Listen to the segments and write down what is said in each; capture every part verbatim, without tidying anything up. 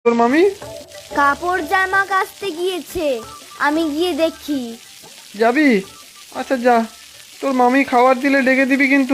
তোর মামি কাপড় জামা কাচতে গিয়েছে, আমি গিয়ে দেখি। যাবি? আচ্ছা যা, তোর মামি খাবার দিলে ডেকে দিবি কিন্তু।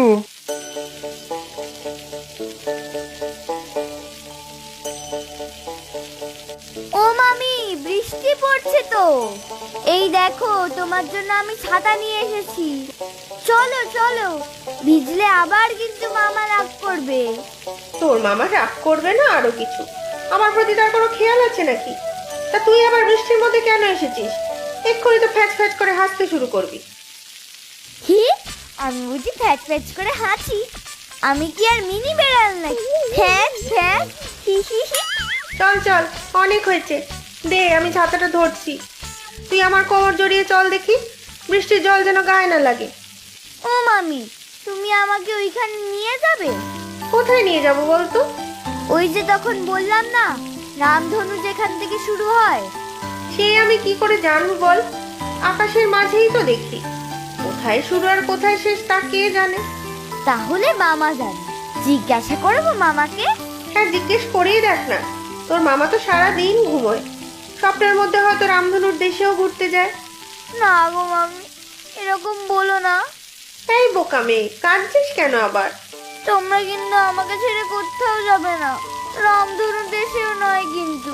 ও মামি, বৃষ্টি পড়ছে তো। এই দেখো, তোমার জন্য আমি ছাতা নিয়ে এসেছি। চলো চলো, ভিজলে আবার কিন্তু মামা রাগ করবে। তোর মামা রাগ করবে না আরো কিছু? আমার প্রতি তার কোনো খেয়াল আছে নাকি? তা তুই আবার বৃষ্টির মধ্যে কেন এসেছিস? এক্ষুনি তো ফ্যাচ ফ্যাচ করে হাসতে শুরু করবি। কি? আমি বুঝি ফ্যাচ ফ্যাচ করে হাসি? আমি কি আর মিনি বেড়াল নাকি? ফ্যাচ ফ্যাচ হি হি হি। চল চল, অনেক হয়েছে, দে আমি ছাতাটা ধরছি। তুই আমার কোমর জড়িয়ে চল দেখি, বৃষ্টির জল যেন গায়ে না লাগে। ও মামি, তুমি আমাকে ওইখানে নিয়ে যাবে? কোথায় নিয়ে যাব বলতো? ওই যে তখন বললাম না, রামধনু যেখান থেকে শুরু হয়। সে আমি কি করে জানবো বল? আকাশের মাঝেই তো দেখি, কোথায় শুরু আর কোথায় শেষ তা কে জানে। তাহলে মামা জানে, জিজ্ঞাসা করবো মামাকে। হ্যাঁ, জিজ্ঞেস করেই দেখ না, তোর মামা তো সারা দিন ঘুমোয়। স্বপ্নের মধ্যে হয়তো রামধনুর দেশেও ঘুরতে যায়। না গো মামি, এরকম বলো না। এই বোকা মেয়ে, কাঁদছিস কেন আবার? তোমরা কিন্তু আমাকে ছেড়ে কোথাও যাবে না, রামধনু দেশেও নয় কিন্তু।